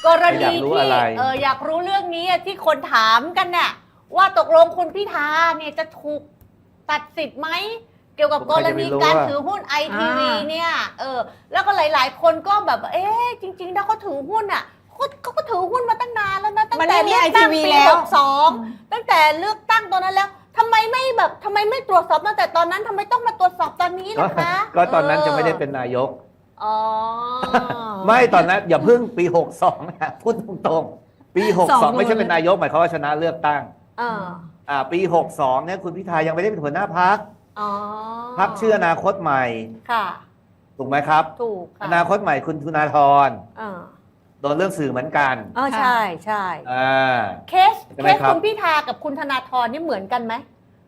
กรณีที่อยากรู้เรื่องนี้ที่คนถามกันเนี่ยว่าตกลงคุณพิธาเนี่ยจะถูกตัดสิทธิ์ไหมเกี่ยวกับกรณีการถือหุ้นไอทีวีเนี่ยแล้วก็หลายๆคนก็แบบจริงๆถ้าเขาถือหุ้นอ่ะเขาก็ถือหุ้นมาตั้งนานแล้วนะตั้งแต่เลือกตั้งปี62ตั้งแต่เลือกตั้งตอนนั้นแล้วทำไมไม่ตรวจสอบตั้งแต่ตอนนั้นทำไมต้องมาตรวจสอบตอนนี้ล่ะคะก็ตอนนั้นจะไม่ได้เป็นนายกไม่ตอนนั้นอย่าเพิ่งปี62นะพูดตรงๆปี62ไม่ใช่เป็นนายกหมายความว่าชนะเลือกตั้งปี62เนี่ยคุณพิธายังไม่ได้เป็นหัวหน้าพรรคพรรคชื่ออนาคตใหม่ค่ะถูกไหมครับถูกอนาคตใหม่คุณธนาธรโดนเรื่องสื่อเหมือนกันใช่เคสคุณพิธากับคุณธนาธรนี่เหมือนกันไหม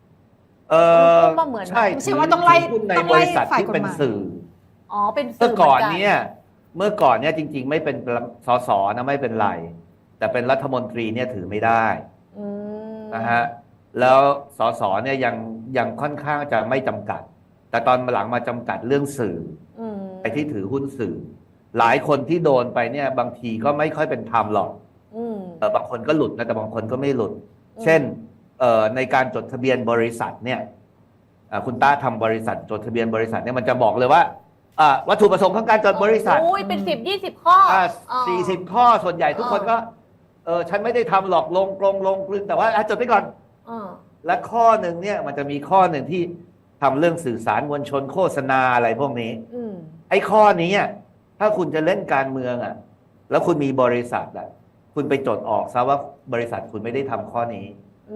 ใช่ใช่ว่าต้องไล่ในบริษัทที่เป็นสื่อเป็นสื่อเมื่อก่อนเนี่ยจริงๆไม่เป็นสสนะไม่เป็นไรแต่เป็นรัฐมนตรีเนี่ยถือไม่ได้นะฮะแล้วสสเนี่ยยังค่อนข้างจะไม่จำกัดแต่ตอนหลังมาจำกัดเรื่องสื่อไอ้ที่ถือหุ้นสื่อหลายคนที่โดนไปเนี่ยบางทีก็ไม่ค่อยเป็นธรรมหรอกบางคนก็หลุดนะแต่บางคนก็ไม่หลุดเช่นในการจดทะเบียนบริษัทเนี่ยคุณต้าทำบริษัทจดทะเบียนบริษัทเนี่ยมันจะบอกเลยว่าวัตถุประสงค์ของการจดบริษัทเป็น10-20 ข้อ 40 ข้อส่วนใหญ่ทุกคนก็ฉันไม่ได้ทำหรอกลงกลืนแต่ว่าจดไปก่อนและข้อหนึ่งเนี่ยมันจะมีข้อหนึ่งที่ทำเรื่องสื่อสารมวลชนโฆษณาอะไรพวกนี้ไอ้ข้อนี้ถ้าคุณจะเล่นการเมืองแล้วคุณมีบริษัทคุณไปจดออกซะว่าบริษัทคุณไม่ได้ทำข้อนี้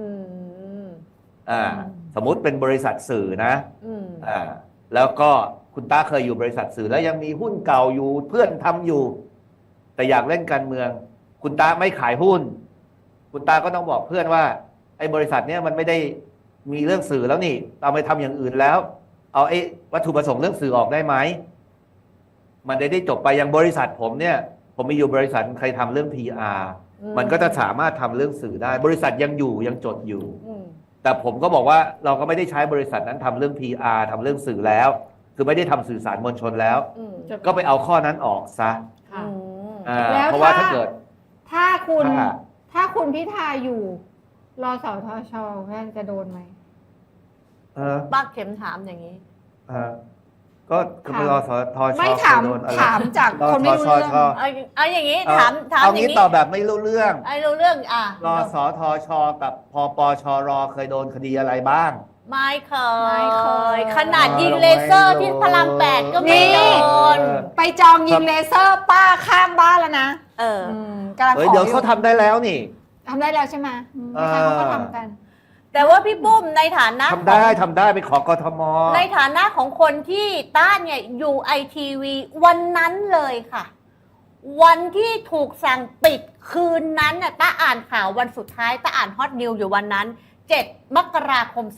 สมมุติเป็นบริษัทสื่อนะแล้วก็คุณต้าเคยอยู่บริษัทสื่อแล้วยังมีหุ้นเก่าอยู่เพื่อนทำอยู่แต่อยากเล่นการเมืองคุณต้าไม่ขายหุ้นคุณต้าก็ต้องบอกเพื่อนว่าไอ้บริษัทเนี้ยมันไม่ได้มีเรื่องสื่อแล้วนี่เอาไปทำอย่างอื่นแล้วเอาไอ้วัตถุประสงค์เรื่องสื่อออกได้ไหมมันได้จบไปอย่างบริษัทผมเนี่ยผมมีอยู่บริษัทใครทำเรื่อง PR มันก็จะสามารถทำเรื่องสื่อได้บริษัทยังอยู่ยังจดอยู่แต่ผมก็บอกว่าเราก็ไม่ได้ใช้บริษัทนั้นทำเรื่อง PR ทำเรื่องสื่อแล้วคือไม่ได้ทำสื่อสารมวลชนแล้วก็ไปเอาข้อนั้นออกซะเพราะว่าถ้าเกิดถ้าคุณพิธาอยู่รสทช.แค่จะโดนไหมบ้าเข็มถามอย่างนี้ก็รสทช. ไม่ถามจากคนไม่รู้เรื่องเอาอย่างนี้ถามอย่างนี้ตอบแบบไม่รู้เรื่องรู้เรื่องรสทช.กับพปชร.เคยโดนคดีอะไรบ้างไม่เคยขนาดยิงเลเซอร์ที่พระราม8ก็ไม่โดนไปจองยิงเลเซอร์ป้าข้างบ้านแล้วนะเดี๋ยวเขาทำได้แล้วนี่ทำได้แล้วใช่ไหมเขาก็ทำกันแต่ว่าพี่ปุ้มในฐานะทำได้ไปขอกทม. ในฐานะของคนที่ต้าเนี่ยอยู่ไอทีวีวันนั้นเลยค่ะวันที่ถูกสั่งปิดคืนนั้นน่ะต้าอ่านข่าววันสุดท้ายต้าอ่านฮอตนิวอยู่วันนั้น7 มกราคม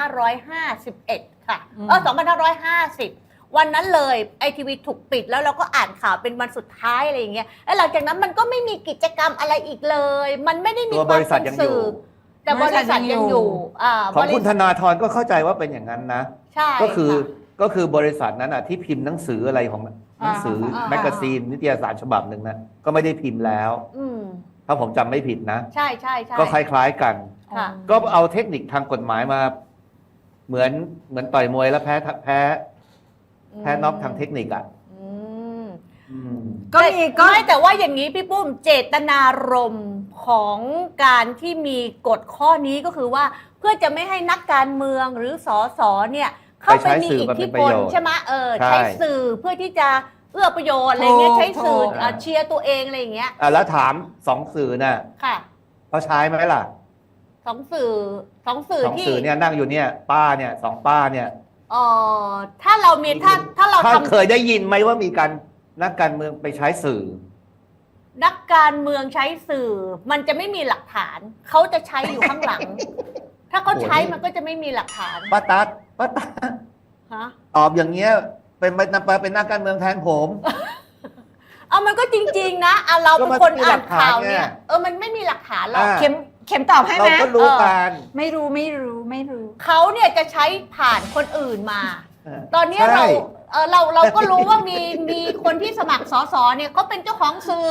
2551 ค่ะ2550วันนั้นเลยไอทีวีถูกปิดแล้วเราก็อ่านข่าวเป็นวันสุดท้ายอะไรอย่างเงี้ยแล้วหลังจากนั้นมันก็ไม่มีกิจกรรมอะไรอีกเลยมันไม่ได้มีความเป็นสื่อแต่บริษัทยังอยู่ของคุณธนาธรก็เข้าใจว่าเป็นอย่างนั้นนะใช่ก็คือบริษัทนั้นที่พิมพ์หนังสืออะไรของหนังสือแมกกาซีนนิตยสารฉบับหนึ่งนะก็ไม่ได้พิมพ์แล้วถ้าผมจำไม่ผิดนะใช่ก็คล้ายๆกันก็เอาเทคนิคทางกฎหมายมาเหมือนต่อยมวยแล้วแพ้น็อกทางเทคนิคก็แต่ว่าอย่างนี้พี่ปุ้มเจตนารมณ์ของการที่มีกฎข้อนี้ก็คือว่าเพื่อจะไม่ให้นักการเมืองหรือสสเนี่ยเข้าไปมีอิทธิพลใช่ไหมใช้สื่อเพื่อที่จะเอื้อประโยชน์อะไรเงี้ยใช้สื่อเชียร์ตัวเองอะไรอย่างเงี้ยแล้วถาม2 สื่อน่ะเขาใช้ไหมล่ะ 2 สื่อที่เนี่ยนั่งอยู่เนี่ยป้าเนี่ย2 ป้าเนี่ยถ้าเรามีถ้าเราเคยได้ยินไหมว่ามีการนักการเมืองไปใช้สื่อนักการเมืองใช้สื่อมันจะไม่มีหลักฐานเขาจะใช้อยู่ข้างหลังถ้าเขาใช้มันก็จะไม่มีหลักฐานป้าตั๊ดตอบอย่างเงี้ยเป็นนักการเมืองแทนผมมันก็จริงๆนะเราเป็นคนอ่านข่าวเนี่ยมันไม่มีหลักฐานเราเข็มตอบให้ไหมเราก็รู้กันไม่รู้เขาเนี่ยจะใช้ผ่านคนอื่นมาตอนนี้เราก็รู้ว่ามีคนที่สมัครสสเนี่ยเขาเป็นเจ้าของสื่อ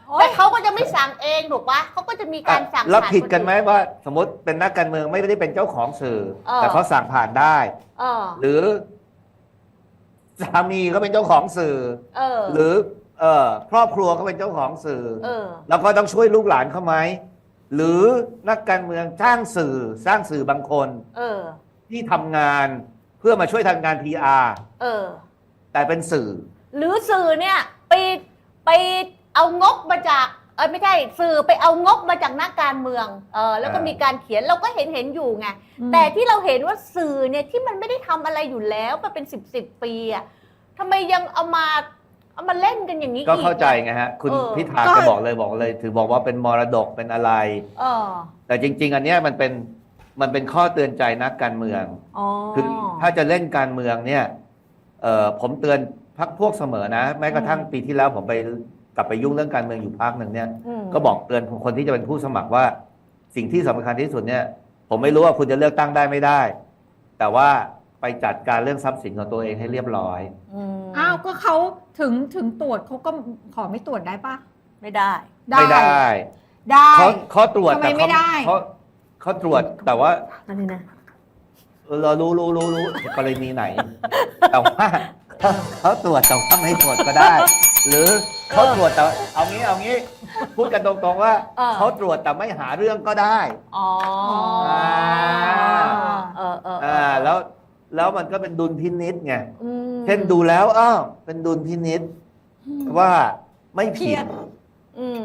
แต่เขาก็จะไม่สั่งเองถูกปะเขาก็จะมีการสั่งแล้วผ่าผิดกันไหมคอื่ว่า สมมติเป็นนักการเมืองไม่ได้เป็นเจ้าของสื่อ แต่เออเขาสั่งผ่านได้เออหรือสามีก็เป็นเจ้าของสื่อเออหรือครอบครัวก็เป็นเจ้าของสื่อเออแล้วก็ต้องช่วยลูกหลานเขาไหมหรือนักการเมืองสร้างสื่อบางคนเออที่ทำงานเพื่อมาช่วยทำงาน PR เออแต่เป็นสื่อหรือสื่อเนี่ยไปเอางบมาจากไม่ใช่สื่อไปเอางบมาจากนักการเมืองแล้วก็มีการเขียนเราก็เห็นอยู่ไงแต่ที่เราเห็นว่าสื่อเนี่ยที่มันไม่ได้ทำอะไรอยู่แล้วมาเป็น10 ปีอะทำไมยังเอามาเล่นกันอย่างนี้อีกก็เข้าใจไงฮะ คุณพิธาก็บอกเลยถือบอกว่าเป็นมรดกเป็นอะไรเออแต่จริง ๆ อันเนี้ยมันเป็นข้อเตือนใจนักการเมืองอ๋อคือถ้าจะเล่นการเมืองเนี่ยผมเตือนพรรคพวกเสมอนะ แม้กระทั่งปีที่แล้วผมไปกลับไปยุ่งเรื่องการเมืองอยู่พักหนึ่งเนี่ย ก็บอกเตือนคนที่จะเป็นผู้สมัครว่าสิ่งที่สำคัญที่สุดเนี่ย ผมไม่รู้ว่าคุณจะเลือกตั้งได้ไม่ได้ แต่ว่าไปจัดการเรื่องทรัพย์สินของตัวเองให้เรียบร้อยอ้าวก็เขาถึงตรวจเขาก็ขอไม่ตรวจได้ปะไม่ได้ไม่ได้ได้เขาตรวจทำไมแต่ไม่ได้เขาตรวจแต่ว่าอันนี้นะเรารู้กรณีไหน แต่ว่าเขาตรวจแต่ว่าไม่ตรวจก็ได้ หรือเขาตรวจแต่เอางี้พูดกันตรงๆว่าเขาตรวจแต่ไม่หาเรื่องก็ได้อ๋อแล้วมันก็เป็นดุลพินิจไงอืมเช่นดูแล้วเป็นดุลพินิจว่าไม่ผิดอืม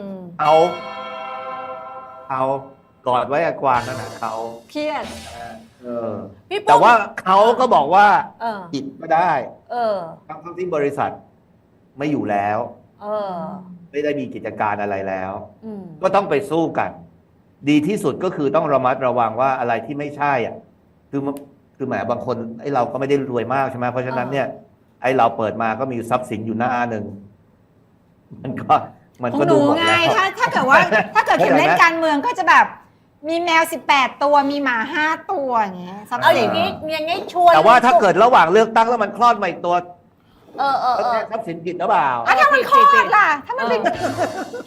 เอากอดไว้กับกวางนั่นนะเขาเครียดพี่ปุ้มแต่ว่าเขาก็บอกว่าเออผิดก็ได้เออทั้งที่บริษัทไม่อยู่แล้วเออไม่ได้มีกิจการอะไรแล้วอืมก็ต้องไปสู้กัน ดีที่สุดก็คือต้องระมัดระวังว่าอะไรที่ไม่ใช่อ่ะคือแหมบางคนไอ้เราก็ไม่ได้รวยมากใช่ไหมเพราะฉะนั้นเนี่ยไอ้เราเปิดมาก็มีทรัพย์สินอยู่หน้าหนึ่งมันของก็หดูนูหมดไงแล้วถ้าเกิดว่าถ้าเกิดเข็มเล่นการเมืองก็จะแบบ มีแมว18 ตัวมีหมา5 ตัวอย่างเงี้ยทรัพย์เอาอสิย่าน งนี้อย่างนี้ชวนแต่ว่าถ้าเกิดระหว่างเลือกตั้งแล้วมันคลอดมาอีกตัวเออแล้วแจ้งทรัพย์สินผิดหรือเปล่าถ้ามันคลอดล่ะ ถ้ามันเป็น